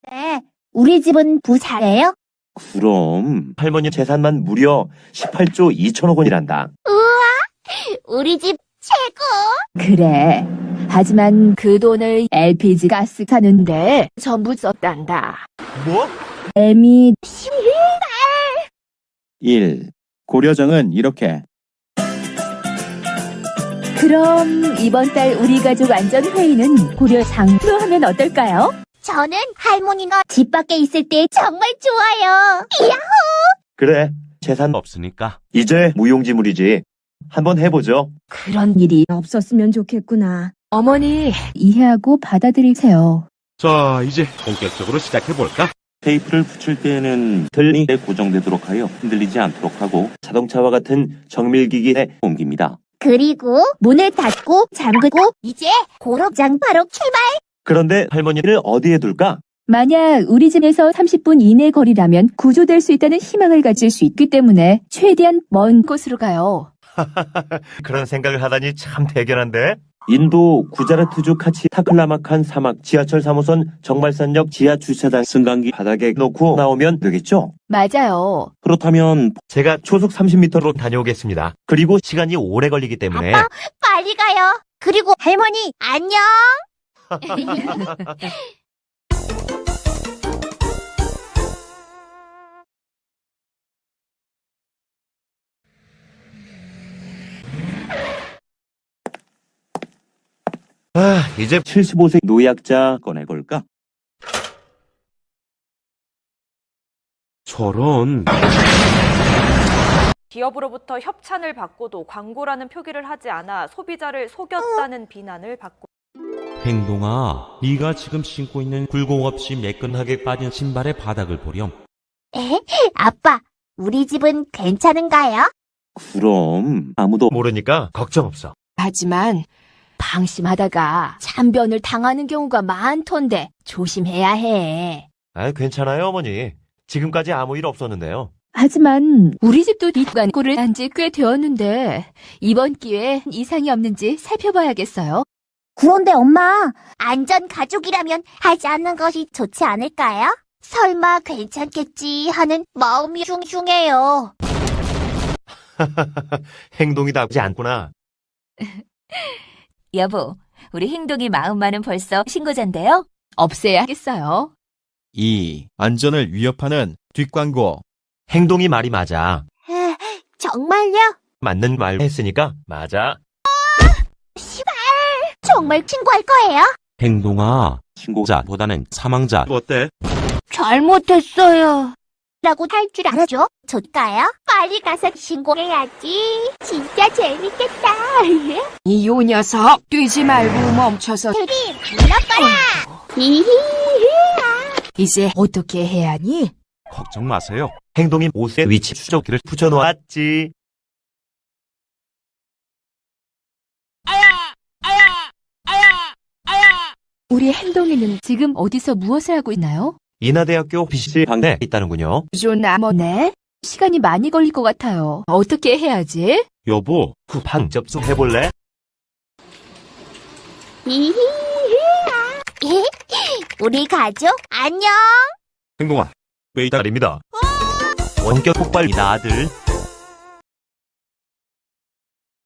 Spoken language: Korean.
네, 우리 집은 부자예요? 그럼 할머니 재산만 무려 18조 2천억 원이란다. 우리 집 최고! 그래. 하지만 그 돈을 LPG 가스 사는데 전부 썼단다. 뭐? 애미 1. 고려정은 이렇게. 그럼 이번 달 우리 가족 안전회의는 고려상으로 하면 어떨까요? 저는 할머니가 집 밖에 있을 때 정말 좋아요. 이야! 그래, 재산 없으니까. 이제 무용지물이지. 한번 해보죠. 그런 일이 없었으면 좋겠구나. 어머니, 이해하고 받아들이세요. 자, 이제 본격적으로 시작해볼까? 테이프를 붙일 때에는 틀니에 고정되도록 하여 흔들리지 않도록 하고 자동차와 같은 정밀기기에 옮깁니다. 그리고 문을 닫고 잠그고 이제 고로장 바로 출발! 그런데 할머니를 어디에 둘까? 만약 우리 집에서 30분 이내 거리라면 구조될 수 있다는 희망을 가질 수 있기 때문에 최대한 먼 곳으로 가요. 그런 생각을 하다니 참 대견한데? 인도 구자라트주 카치 타클라마칸 사막 지하철 3호선 정발산역 지하 주차장 승강기 바닥에 놓고 나오면 되겠죠? 맞아요. 그렇다면 제가 초속 30m로 다녀오겠습니다. 그리고 시간이 오래 걸리기 때문에 아빠, 빨리 가요. 그리고 할머니, 안녕! 이제 75세 노약자 꺼내볼까? 저런. 기업으로부터 협찬을 받고도 광고라는 표기를 하지 않아 소비자를 속였다는 비난을 받고 행동아, 네가 지금 신고 있는 굴곡 없이 매끈하게 빠진 신발의 바닥을 보렴. 아빠, 우리 집은 괜찮은가요? 그럼 아무도 모르니까 걱정 없어. 하지만 방심하다가 참변을 당하는 경우가 많던데 조심해야 해. 괜찮아요, 어머니. 지금까지 아무 일 없었는데요. 하지만 우리 집도 뒷광고를 한 지 꽤 되었는데 이번 기회에 이상이 없는지 살펴봐야겠어요. 그런데 엄마, 안전 가족이라면 하지 않는 것이 좋지 않을까요? 설마 괜찮겠지 하는 마음이 숭숭해요. 행동이 나쁘지 않구나. 여보, 우리 행동이 마음만은 벌써 신고자인데요? 없애야겠어요. 2. 안전을 위협하는 뒷광고. 행동이 말이 맞아. 정말요? 맞는 말 했으니까 맞아. 정말 신고할 거예요? 행동아, 신고자 보다는 사망자. 어때? 잘못했어요. 라고 할 줄 알아죠? 좋까요? 빨리 가서 신고해야지. 진짜 재밌겠다. 이 요 녀석 뛰지 말고 멈춰서 드림, 불러봐라. 이제 어떻게 해야 하니? 걱정 마세요. 행동이 옷에 위치 추적기를 붙여놓았지. 우리 행동이는 지금 어디서 무엇을 하고 있나요? 인하대학교 BC 방에 있다는군요. 조나머네? 시간이 많이 걸릴 것 같아요. 어떻게 해야지? 여보, 방 접속해볼래? 우리 가족 안녕. 행동아, 왜 딸입니다. 원격 폭발이다, 아들.